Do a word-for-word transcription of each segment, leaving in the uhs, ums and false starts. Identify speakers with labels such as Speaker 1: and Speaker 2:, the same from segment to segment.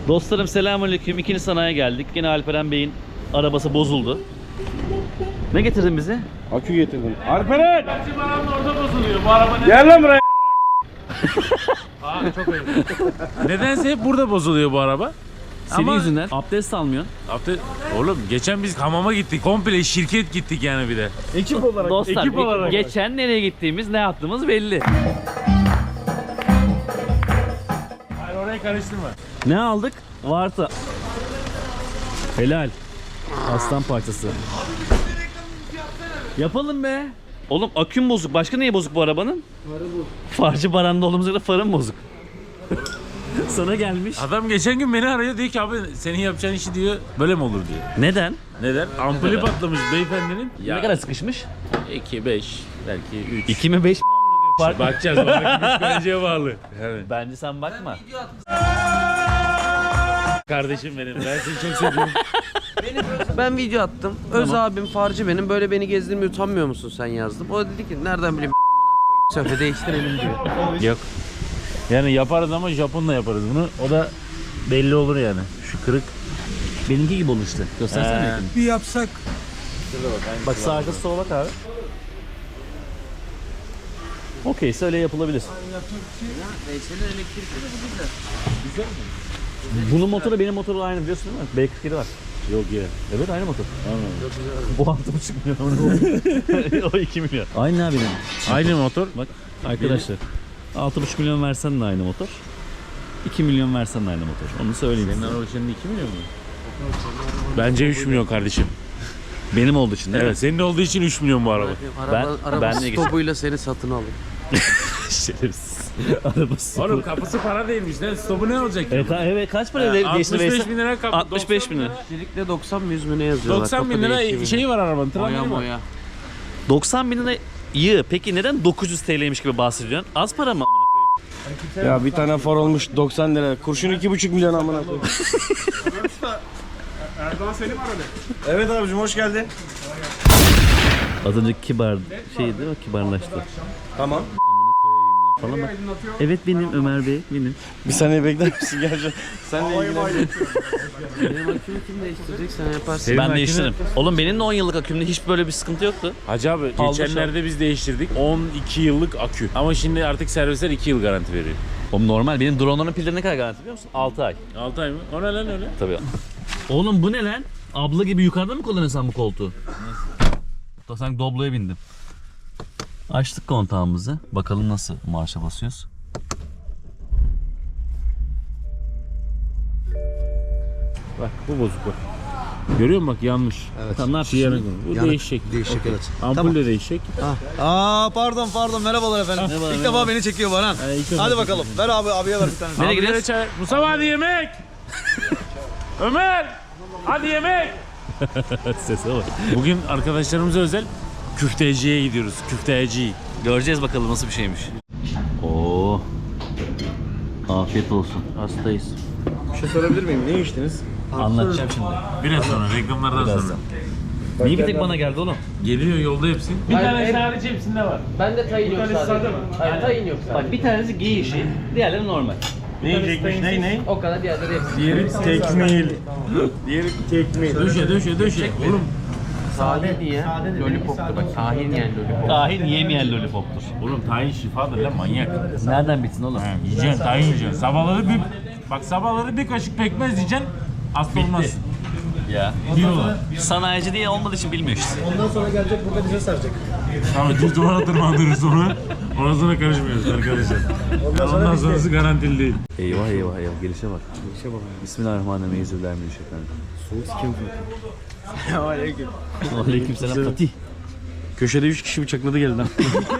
Speaker 1: Dostlarım selamünaleyküm. İkinci sanayiye geldik. Yine Alperen Bey'in arabası bozuldu. Ne getirdin bize?
Speaker 2: Akü getirdim. Alperen!
Speaker 3: Bizim arabam orada bozuluyor. Bu araba ne?
Speaker 2: Gel lan buraya.
Speaker 3: Aa, çok ayıp. Nedense hep burada bozuluyor bu araba.
Speaker 1: Senin
Speaker 3: Ama-
Speaker 1: yüzünden abdest almıyorsun.
Speaker 3: Hafta oğlum geçen biz hamama gittik. Komple şirket gittik yani bir de.
Speaker 2: Ekip olarak.
Speaker 1: Dostlar
Speaker 2: ekip olarak.
Speaker 1: geçen nereye gittiğimiz, ne yaptığımız belli.
Speaker 3: Hayır orayı karıştırma.
Speaker 1: Ne aldık? Varta. Helal. Aslan parçası. Yapalım be. Oğlum aküm bozuk. Başka neye bozuk bu arabanın? Farı bozuk. Farcı baranda olduğumuz kadar farın bozuk. Sana gelmiş.
Speaker 3: Adam geçen gün beni arıyor diyor ki abi senin yapacağın işi diyor böyle mi olur diyor.
Speaker 1: Neden?
Speaker 3: Neden? Ampulü patlamış beyefendinin.
Speaker 1: Ne kadar sıkışmış?
Speaker 3: iki, beş, belki üç.
Speaker 1: iki mi beş mi? Fark.
Speaker 3: Bakacağız. Bakacağız. Psikolojeye bağlı. Evet.
Speaker 1: Bence sen bakma.
Speaker 3: Kardeşim benim. Ben seni çok seviyorum.
Speaker 4: Ben video attım. Öz abim farcı benim. Böyle beni gezdirmeye utanmıyor musun sen yazdım. O da dedi ki nereden bileyim ben amına koyayım. Söyle değiştirelim diyor.
Speaker 3: Yok. Yani yaparız ama Japon'la yaparız bunu. O da belli olur yani. Şu kırık.
Speaker 1: Benimki gibi oldu işte. Göstersene
Speaker 3: He.
Speaker 1: yakın.
Speaker 5: Bir yapsak.
Speaker 1: Bak sağ arkası sola bak abi. Okeyse öyle yapılabilir.
Speaker 4: Veysel'in elektrikli de bu güzel.
Speaker 1: Bunun motoru benim motorla aynı biliyorsun değil mi? B kırk yedi var.
Speaker 3: Yok ya.
Speaker 1: Evet aynı motor. Bu altı buçuk milyon. O iki milyon. Aynı abi benim.
Speaker 3: Aynı motor.
Speaker 1: Bak arkadaşlar. altı buçuk milyon versen de aynı motor. iki milyon versen de aynı motor. Onu söyleyeyim
Speaker 3: Senin
Speaker 1: size.
Speaker 3: araba şimdi iki milyon mu? Bence üç milyon kardeşim.
Speaker 1: Benim olduğu için değil
Speaker 3: Evet, senin olduğu için üç milyon bu araba.
Speaker 4: Araba,
Speaker 1: Ben-
Speaker 4: araba
Speaker 1: ben de geçtim.
Speaker 4: stopuyla seni satın alın.
Speaker 1: mi? Şerefsiz. Arabası.
Speaker 3: Oğlum kapısı para değilmiş. Ne stopu ne olacak?
Speaker 1: Evet, ka- evet kaç para
Speaker 3: Ha,
Speaker 1: değişti
Speaker 3: altmış beş
Speaker 1: Veysel?
Speaker 3: bin lira kapı.
Speaker 1: altmış beş bin lira.
Speaker 4: Elektrikle doksan mı yüz mü ne yazıyorlar?
Speaker 3: doksan bin
Speaker 4: Kapı
Speaker 3: lira
Speaker 4: değişimi.
Speaker 3: şeyi var arabanın.
Speaker 4: Boya
Speaker 3: Tramvayı var.
Speaker 4: boya.
Speaker 1: doksan bin lira yığ. Peki neden dokuz yüz T L'ymiş gibi bahsediyorsun? Az para mı amına koyayım?
Speaker 2: Ya bir tane far olmuş doksan lira. Kurşun iki buçuk milyon amına koyayım.
Speaker 5: Erdoğan Selim aradı.
Speaker 2: Evet abicim hoş geldin.
Speaker 1: Az önce kibar şey değil mi? Kibarlaştı.
Speaker 2: Tamam.
Speaker 1: Falan bak. Evet benim Ömer Bey benim.
Speaker 2: Bir saniye bekler misin? Gel. Sen de ilgilen.
Speaker 4: Benim akümü kim değiştirecek sen yaparsın.
Speaker 3: Senin
Speaker 1: Ben
Speaker 3: makine-
Speaker 1: değiştiririm. Oğlum benim de on yıllık akümde hiç böyle bir sıkıntı yoktu.
Speaker 3: Hacı abi
Speaker 1: Aldı
Speaker 3: geçenlerde biz değiştirdik. on iki yıllık akü. Ama şimdi artık servisler iki yıl garanti veriyor.
Speaker 1: Oğlum normal. Benim drone'ların pilleri ne kadar garanti biliyor musun? altı ay.
Speaker 3: altı ay mı? O ne lan öyle?
Speaker 1: Tabii. Oğlum bu ne lan? Abla gibi yukarıda mı kullanıyorsun sen bu koltuğu? Da sanki Doblo'ya bindim. Açtık kontağımızı. Bakalım nasıl marşa basıyoruz.
Speaker 3: Bak bu bozuk bak. Görüyor musun bak yanmış.
Speaker 5: Evet.
Speaker 1: Tamam ne yapıyorsun?
Speaker 3: Yarın
Speaker 1: şimdi?
Speaker 3: bu
Speaker 5: Yanık.
Speaker 3: değişecek.
Speaker 5: Değişecek evet.
Speaker 3: Ampul de değişecek.
Speaker 5: Aa pardon pardon merhabalar efendim.
Speaker 1: Merhaba,
Speaker 5: İlk
Speaker 1: merhaba.
Speaker 5: defa beni çekiyor Baran.
Speaker 3: Ha, ilk defa
Speaker 5: Hadi
Speaker 3: çekiyor.
Speaker 5: bakalım. Ver abi abiye ver bir tane.
Speaker 1: Nereye
Speaker 3: Abilere
Speaker 1: gidiyoruz?
Speaker 3: çay. Mustafa hadi yemek. Ömer. Hadi yemek.
Speaker 1: Sese bak.
Speaker 3: Bugün arkadaşlarımıza özel küfteciye gidiyoruz. Küfteci.
Speaker 1: Göreceğiz bakalım nasıl bir şeymiş. Oo. Afiyet olsun. Hastayız.
Speaker 2: Bir şey sorabilir miyim? Ne içtiniz?
Speaker 1: Anlatacağım şimdi.
Speaker 3: Biraz sonra reklamlardan
Speaker 1: Biraz
Speaker 3: sonra.
Speaker 1: Niye bir tek bana geldi oğlum?
Speaker 3: Geliyor yolda hepsi. Bir
Speaker 4: Hayır,
Speaker 3: tane
Speaker 4: hep-
Speaker 3: harici hepsinde var.
Speaker 4: Ben de tayin yok
Speaker 3: tanesi
Speaker 4: sadece.
Speaker 3: sade mi?
Speaker 4: Hayır tayin yok sadece.
Speaker 1: Bak bir tanesi giy işi, diğerleri normal.
Speaker 2: Ne yiyecekmiş? Ne ne?
Speaker 4: O kadar diğerleri hepsi.
Speaker 2: Diğeri tekmil. Diğeri tekmil.
Speaker 3: Döşe döşe döşe. Oğlum
Speaker 4: Tahin diye lollipoptu bak. Tahin yani lollipop.
Speaker 1: Tahin yemeyen lollipoptur.
Speaker 3: oğlum tayin şifadır lan manyak.
Speaker 1: Nereden bitsin oğlum?
Speaker 3: Ha, yiyeceksin tayin yiyeceksin. Sabahları bir bak sabahları bir kaşık pekmez yiyeceksin. Hasta olmazsın.
Speaker 1: Ya.
Speaker 3: Bir olan.
Speaker 1: Sanayici diye olmadığı için bilmiyor işte.
Speaker 5: Ondan sonra gelecek burada bize saracak.
Speaker 3: Tamam düz duvara tırmandırırız onu. Ondan sonra karışmıyoruz arkadaşlar. Ondan, ondan sonrası garantili değil.
Speaker 1: Eyvah eyvah eyvah gelişe bak. Gelişe bak. Bismillahirrahmanirrahim. Euzubillahimineşşeytanirracim.
Speaker 2: Soğuk kim? Aleyküm.
Speaker 1: Aleykümselam Fatih.
Speaker 2: Köşede üç kişi bıçakladı geldi lan.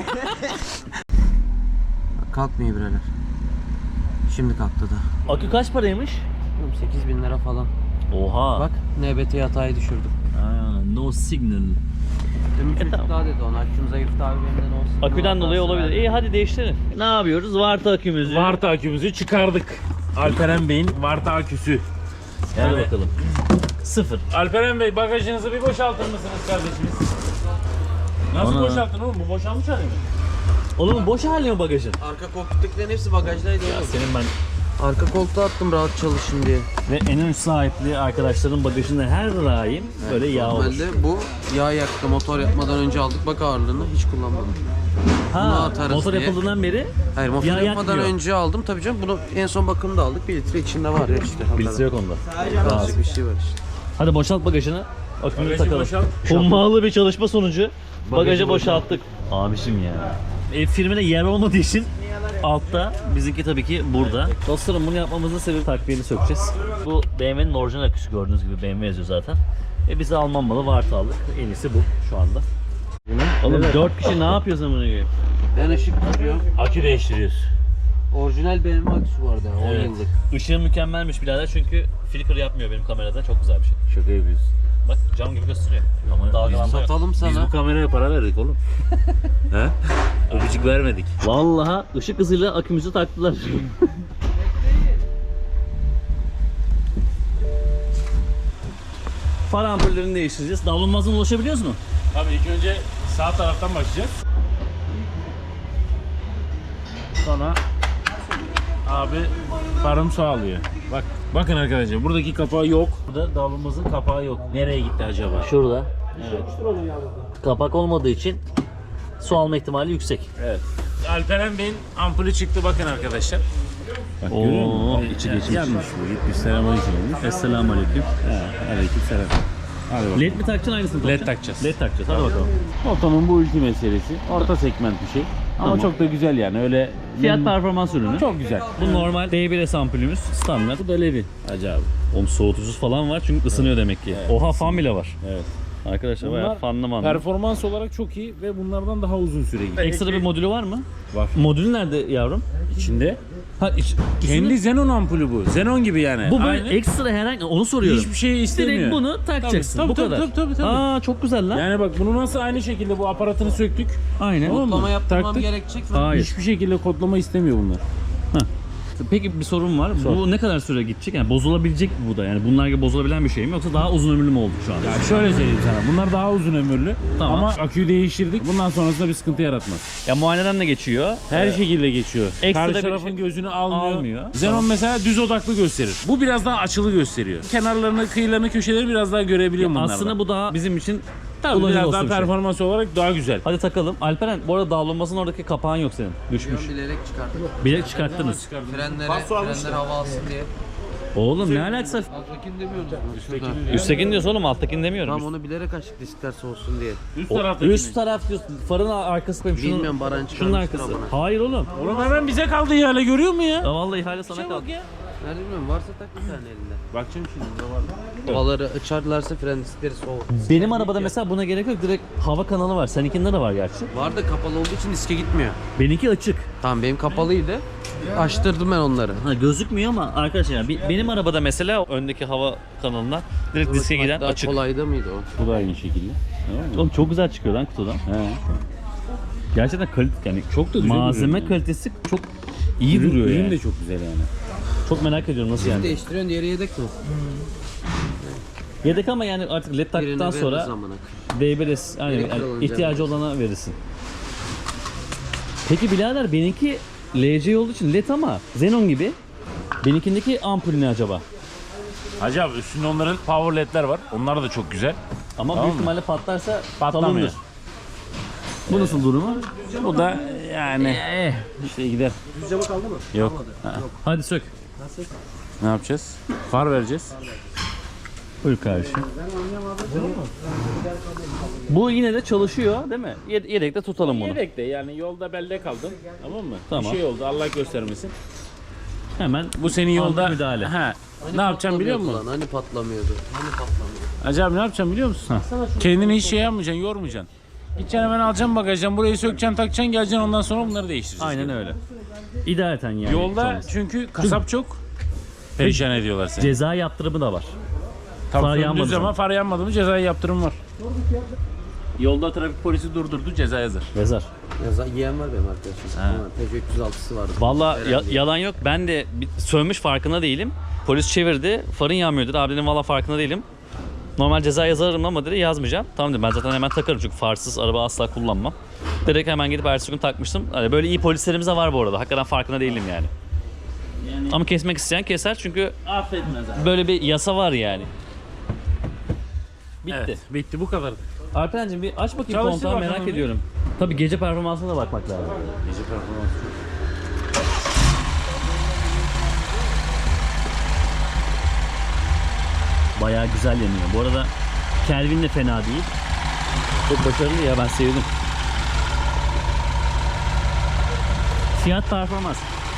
Speaker 4: Kalkmıyor birader. Şimdi kalktı da.
Speaker 1: Akü kaç paraymış?
Speaker 4: Oğlum sekiz bin lira falan.
Speaker 1: Oha.
Speaker 4: Bak N B T hatayı düşürdüm.
Speaker 1: Ha, no signal.
Speaker 4: Demin çocuk
Speaker 1: tamam.
Speaker 4: daha dedi ona. Aküm zayıftı abi benim de ne olsun.
Speaker 1: Aküden dolayı olabilir. İyi hadi değiştirelim. Ne yapıyoruz? Varta akümüzü.
Speaker 3: Varta akümüzü çıkardık. Alperen Bey'in Varta aküsü.
Speaker 1: Hadi
Speaker 3: Yani-
Speaker 1: bakalım. Sıfır.
Speaker 3: Alperen Bey bagajınızı bir boşaltır mısınız kardeşimiz? Nasıl
Speaker 1: Ana.
Speaker 3: boşalttın oğlum? Bu boşalmış hali mi?
Speaker 1: Oğlum boş hali mi bagajın?
Speaker 4: Arka koltuktakilerin hepsi bagajdaydı
Speaker 1: Ya
Speaker 4: oğlum.
Speaker 1: senin ben
Speaker 4: Arka koltuğa attım rahat çalışın diye.
Speaker 1: Ve en ön sahipli arkadaşların bagajında her daim böyle yağ olur.
Speaker 4: Normalde bu yağ yaktı motor yapmadan önce aldık bak ağırlığını hiç kullanmadım. Bunu
Speaker 1: Ha,
Speaker 4: atarız
Speaker 1: motor
Speaker 4: diye.
Speaker 1: yapıldığından beri
Speaker 4: Hayır motor
Speaker 1: yağ
Speaker 4: yapmadan
Speaker 1: yakmıyor.
Speaker 4: önce aldım tabii canım bunu en son bakımda aldık bir litre içinde var ya işte.
Speaker 1: Bilgisi yok onda.
Speaker 4: Azıcık bir şey var işte.
Speaker 1: Hadi boşalt bagajını. Akümünü
Speaker 3: Bagajı
Speaker 1: takalım.
Speaker 3: boşalt.
Speaker 1: Hummalı bir çalışma sonucu bagajı boşalttık. Abişim ya. E, firmada yer olmadığı için altta, bizimki tabii ki burada. Dostlarım bunu yapmamızın sebebi takviyeni sökeceğiz. Bu B M W'nin orijinal aküsü, gördüğünüz gibi B M W yazıyor zaten. E bize Alman malı Varta aldık. En iyisi bu şu anda. Oğlum dört kişi ne yapıyorsun amına koyayım?
Speaker 4: Ben ışık tutuyorum.
Speaker 3: Akü değiştiriyoruz.
Speaker 4: Orijinal B M W aküsü vardı on yıllık.
Speaker 1: Işığı mükemmelmiş birader çünkü flicker yapmıyor benim kamerada. Çok güzel bir şey.
Speaker 3: Şaka yapıyorsun.
Speaker 1: Bak cam gibi gösteriyor. Ama dalgalanma yok.
Speaker 4: Satalım sana.
Speaker 3: Biz bu kameraya para verdik oğlum. He? Öpücük vermedik.
Speaker 1: Vallahi ışık hızıyla akümüzü taktılar. Far ampullerini değiştireceğiz. Davlumbazdan ulaşabiliyoruz mu?
Speaker 3: Abi ilk önce sağ taraftan başlayacağız. Sonra abi farım sağlıyor. Bak bakın arkadaşlar buradaki kapağı yok. Burada davlumbazın kapağı yok. Nereye gitti acaba?
Speaker 1: Şurada.
Speaker 3: Evet.
Speaker 1: Kapak olmadığı için su alma ihtimali yüksek.
Speaker 3: Evet. Alperen Bey'in ampulü çıktı bakın arkadaşlar. Bak
Speaker 1: Oo,
Speaker 3: görüyor musun?
Speaker 1: içi geçmiş.
Speaker 3: Yanmış bu. Gitmiş selamünaleyküm olmuş.
Speaker 1: Esselamu aleyküm.
Speaker 3: He, aleyküm selam. Hadi bakalım.
Speaker 1: Led mi takacaksın aynısını
Speaker 3: Led
Speaker 1: takacaksın?
Speaker 3: takacağız.
Speaker 1: Led takacağız hadi bakalım.
Speaker 3: Otomun bu ülke meselesi. Orta segment bir şey. Ama
Speaker 1: Tamam.
Speaker 3: çok da güzel yani öyle.
Speaker 1: Fiyat performans ürünü.
Speaker 3: Çok güzel.
Speaker 1: Bu normal D bir S ampulümüz standart.
Speaker 3: Bu da Levi. Acayip.
Speaker 1: Oğlum soğutucusu falan var çünkü ısınıyor demek ki. Oha fan bile var.
Speaker 3: Evet.
Speaker 1: Arkadaşlar bayağı fanlı manlı.
Speaker 3: performans olarak çok iyi ve bunlardan daha uzun süre gidiyor.
Speaker 1: Ekstra bir modülü var mı?
Speaker 3: Var.
Speaker 1: Modülü nerede yavrum?
Speaker 3: İçinde.
Speaker 1: Ha, iç,
Speaker 3: Kendi
Speaker 1: üstüne-
Speaker 3: Xenon ampulü bu. Xenon gibi yani.
Speaker 1: bu böyle
Speaker 3: Aynı.
Speaker 1: ekstra herhangi onu soruyorum.
Speaker 3: Hiçbir şey istemiyor.
Speaker 1: Direkt bunu takacaksın.
Speaker 3: Tabii,
Speaker 1: bu
Speaker 3: tabii,
Speaker 1: kadar.
Speaker 3: tabii, tabii, tabii.
Speaker 1: Aa çok güzel lan.
Speaker 3: Yani bak bunu nasıl aynı şekilde bu aparatını söktük.
Speaker 1: Aynen.
Speaker 3: Tamam mı?
Speaker 4: Kodlama yaptırmam
Speaker 3: Taktık.
Speaker 4: gerekecek mi?
Speaker 1: Hayır.
Speaker 3: Hiçbir şekilde kodlama istemiyor bunlar.
Speaker 1: Peki bir sorun var.
Speaker 3: Sor.
Speaker 1: Bu ne kadar süre gidecek? Yani bozulabilecek mi bu da? Yani bunlar gibi bozulabilen bir şey mi yoksa daha uzun ömürlü mü oldu şu anda?
Speaker 3: Ya şöyle söyleyeyim sana. Bunlar daha uzun ömürlü.
Speaker 1: Tamam.
Speaker 3: Ama aküyü değiştirdik. Bundan sonrasında bir sıkıntı yaratmaz.
Speaker 1: Ya muayeneden de geçiyor.
Speaker 3: Her şekilde geçiyor.
Speaker 1: Ekstra
Speaker 3: Karşı
Speaker 1: bir
Speaker 3: tarafın
Speaker 1: şey-
Speaker 3: gözünü almıyor.
Speaker 1: Almıyor.
Speaker 3: Xenon mesela düz odaklı gösterir. Bu biraz daha açılı gösteriyor. Kenarlarını, kıyılarını, köşeleri biraz daha görebiliyor bunlardan.
Speaker 1: Aslında bu daha bizim için
Speaker 3: Tabii
Speaker 1: kullanıcı
Speaker 3: biraz
Speaker 1: olsun
Speaker 3: daha
Speaker 1: bir şey.
Speaker 3: performans olarak daha güzel.
Speaker 1: Hadi takalım. Alperen bu arada davlumbazın oradaki kapağın yok senin. Düşmüş.
Speaker 4: Bilerek çıkarttım.
Speaker 1: Bilek çıkarttınız.
Speaker 4: Frenlere, frenlere hava alsın diye.
Speaker 1: Oğlum ne alakası?
Speaker 4: Alttakini demiyoruz mu? Şurada.
Speaker 1: Üsttekini diyorsun oğlum alttakini demiyorum.
Speaker 4: Tamam onu bilerek açtık diskler soğusun diye.
Speaker 3: Üst
Speaker 1: O-
Speaker 3: taraftakini.
Speaker 1: üst taraf diyorsun. Farın arkası koyayım. Şunun,
Speaker 4: Bilmiyorum, Baran
Speaker 1: şunun
Speaker 4: çıkarmıştır
Speaker 1: arkası.
Speaker 4: amına.
Speaker 1: Hayır oğlum.
Speaker 3: Oğlum hemen bize kaldı ihale görüyor musun ya?
Speaker 1: Ya vallahi ihale sana kaldı.
Speaker 3: Bak ya.
Speaker 4: Nerede bilmiyorum varsa tak bir tane elinde.
Speaker 3: Bakacağım şimdi burada var.
Speaker 4: Havaları açarlarsa fren diskleri soğur.
Speaker 1: Benim arabada mesela buna gerek yok. Direkt hava kanalı var. Seninkinde de var gerçi.
Speaker 4: Var da kapalı olduğu için diske gitmiyor.
Speaker 1: Benimki açık.
Speaker 4: Tamam benim kapalıydı. Açtırdım ben onları.
Speaker 1: Ha gözükmüyor ama arkadaşlar bi- benim arabada mesela öndeki hava kanalına direkt diske giden
Speaker 4: Daha
Speaker 1: açık.
Speaker 4: kolayda mıydı o?
Speaker 3: Bu da aynı şekilde. Tamam mı?
Speaker 1: Oğlum çok güzel çıkıyor lan kutudan.
Speaker 3: He.
Speaker 1: Gerçekten kalite yani
Speaker 3: Çok da güzel
Speaker 1: malzeme
Speaker 3: duruyor yani.
Speaker 1: kalitesi çok iyi
Speaker 3: Ürün-
Speaker 1: duruyor
Speaker 3: ürün
Speaker 1: yani.
Speaker 3: de çok güzel yani.
Speaker 1: Çok merak ediyorum nasıl yani.
Speaker 4: Değiştiriyorsun diğeri yedek mi?
Speaker 1: Yedek ama yani artık led taktıktan
Speaker 4: Birini veririz
Speaker 1: sonra
Speaker 4: amına.
Speaker 1: D bir S yani,
Speaker 4: Gerekli
Speaker 1: yani
Speaker 4: olunca
Speaker 1: ihtiyacı olana verirsin. Peki birader benimki L C olduğu için led ama Xenon gibi. Benimkindeki ampul ne acaba?
Speaker 3: Hacı abi üstünde onların power ledler var. Onlar da çok güzel.
Speaker 1: Ama
Speaker 3: Tamam
Speaker 1: büyük
Speaker 3: mı?
Speaker 1: ihtimalle patlarsa
Speaker 3: Patlamıyor.
Speaker 1: salındır. Bu nasıl durumu?
Speaker 3: Bu da yani
Speaker 1: Eh.
Speaker 3: işte gider.
Speaker 5: Cama kaldı mı?
Speaker 3: Yok.
Speaker 1: Hadi sök.
Speaker 3: Ne yapacağız? Far vereceğiz.
Speaker 1: Buyur kardeşim. Bu yine de çalışıyor değil mi? Ye- Yedekte tutalım bunu.
Speaker 3: Yedekte yani yolda belde kaldım. Tamam mı?
Speaker 1: Tamam.
Speaker 3: Bir şey oldu Allah göstermesin.
Speaker 1: Hemen
Speaker 3: Bu senin yolda
Speaker 1: Anlık müdahale.
Speaker 3: Ha.
Speaker 4: Hani
Speaker 3: Ne yapacağım biliyor
Speaker 4: patlamıyordu
Speaker 3: musun?
Speaker 4: lan, Hani patlamıyordu. Hani patlamıyordu.
Speaker 3: Acaba ne yapacağım biliyor musun? Kendini hiç şey yapmayacaksın, yormayacaksın. Gideceksin hemen alacaksın bagajdan, burayı sökeceksin, takacaksın, geleceksin ondan sonra bunları değiştireceksin.
Speaker 1: aynen öyle. İdareten yani.
Speaker 3: Yolda
Speaker 1: çalışsın.
Speaker 3: çünkü kasap çok perişan ediyorlar seni.
Speaker 1: Ceza yaptırımı da var.
Speaker 3: Tabii
Speaker 1: far
Speaker 3: far
Speaker 1: yanmadı
Speaker 3: düz ama
Speaker 1: zaman.
Speaker 3: far yanmadı mı cezai yaptırım var. Yolda trafik polisi durdurdu, ceza yazar.
Speaker 1: Yazar.
Speaker 4: Ya yiyen var benim arkadaşım. Ama Peugeot üç yüz altısı vardı.
Speaker 1: Valla ya-
Speaker 4: Herhalde.
Speaker 1: yalan yok. Ben de bir- sönmüş farkında değilim. Polis çevirdi. Farın yanmıyor dedi. Abi dedim valla farkında değilim. Normal ceza yazarım ama dedi yazmayacağım. Tamam dedim ben zaten hemen takarım çünkü farsız araba asla kullanmam. Direkt hemen gidip ertesi gün takmıştım. Hani böyle iyi polislerimiz de var bu arada. Hakikaten farkında değilim yani. Ama kesmek isteyen keser çünkü
Speaker 3: Affetmez abi.
Speaker 1: böyle bir yasa var yani. Bitti.
Speaker 3: Evet, bitti bu kadar.
Speaker 1: Alperen'cim bir aç bakayım
Speaker 3: Çalıştır
Speaker 1: kontağı,
Speaker 3: bakalım
Speaker 1: merak
Speaker 3: bir.
Speaker 1: ediyorum. Tabii gece performansına da bakmak lazım.
Speaker 3: Gece performansı.
Speaker 1: Bayağı güzel yanıyor. Bu arada Kelvin de fena değil. Çok başarılı ya, ben sevdim. Fiyat performans.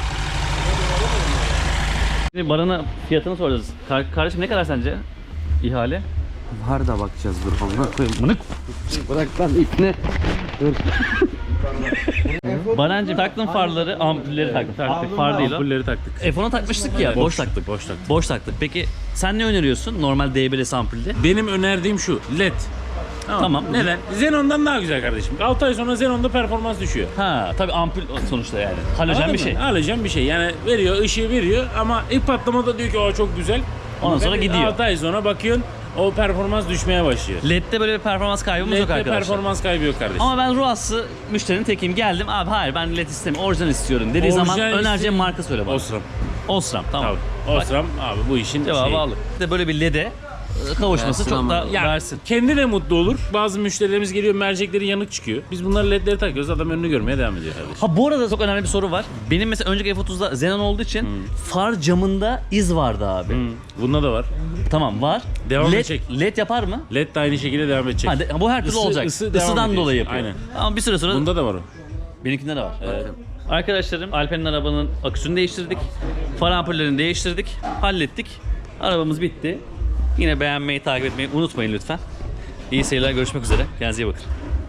Speaker 1: Şimdi Baran'a fiyatını soracağız. Kar- kardeşim ne kadar sence ihale?
Speaker 4: Var da bakacağız dur amına koyayım.
Speaker 1: Mınık.
Speaker 4: Bırak lan ipne. Dur.
Speaker 1: Barancığım taktın farları, ampulleri taktın. Taktık, far değil o.
Speaker 3: Ampulleri taktık.
Speaker 1: F on'a takmıştık ya, boş, taktık.
Speaker 3: Boş taktık.
Speaker 1: Boş taktık. Peki sen ne öneriyorsun normal D B R S ampulde?
Speaker 3: Benim önerdiğim şu, led.
Speaker 1: Tamam.
Speaker 3: Neden? Xenon'dan daha güzel kardeşim. altı ay sonra Xenon'da performans düşüyor.
Speaker 1: Ha tabii ampul sonuçta yani. Halojen
Speaker 3: Anladın
Speaker 1: bir şey.
Speaker 3: mı? Halojen bir şey. Yani veriyor, ışığı veriyor ama ilk patlamada diyor ki o çok güzel.
Speaker 1: Ondan sonra gidiyor.
Speaker 3: altı ay sonra bakıyorsun o performans düşmeye başlıyor.
Speaker 1: L E D'de böyle bir performans kaybımız yok
Speaker 3: Led'de
Speaker 1: arkadaşlar.
Speaker 3: performans kaybı yok kardeşim.
Speaker 1: Ama ben ruhası müşterinin tekiyim. Geldim abi hayır ben L E D istemiyorum, orijinal istiyorum dediği
Speaker 3: Orijinal
Speaker 1: zaman önereceğim
Speaker 3: istedim.
Speaker 1: marka söyle bana.
Speaker 3: Osram.
Speaker 1: Osram tamam.
Speaker 3: Tabii. Osram abi bu işin
Speaker 1: Cevabı
Speaker 3: şeyi.
Speaker 1: aldık. Bir de böyle bir L E D'e kavuşması
Speaker 4: Versin
Speaker 1: çok
Speaker 4: ama.
Speaker 1: da
Speaker 3: Ya
Speaker 1: versin.
Speaker 3: kendi de mutlu olur. Bazı müşterilerimiz geliyor, mercekleri yanık çıkıyor. Biz bunları ledleri takıyoruz, adam önünü görmeye devam ediyor kardeşim.
Speaker 1: Ha bu arada çok önemli bir soru var. Benim mesela önceki F otuzda Xenon olduğu için far camında iz vardı abi.
Speaker 3: Hmm, bunda da var.
Speaker 1: Tamam var.
Speaker 3: Devam
Speaker 1: L E D,
Speaker 3: edecek.
Speaker 1: L E D yapar mı?
Speaker 3: Led de aynı şekilde devam edecek.
Speaker 1: Ha, de- bu her türlü
Speaker 3: Isı-
Speaker 1: olacak.
Speaker 3: ısı devam
Speaker 1: Isıdan
Speaker 3: ediyor.
Speaker 1: dolayı yapıyor.
Speaker 3: Aynen.
Speaker 1: Ama bir süre sonra
Speaker 3: Bunda da var o.
Speaker 1: benimkinde de var. Evet. Arkadaşlarım Alper'in arabanın aküsünü değiştirdik. Far ampullerini değiştirdik. Hallettik. Arabamız bitti. Yine beğenmeyi, takip etmeyi unutmayın lütfen. İyi seyirler, görüşmek üzere. Kendinize iyi bakın.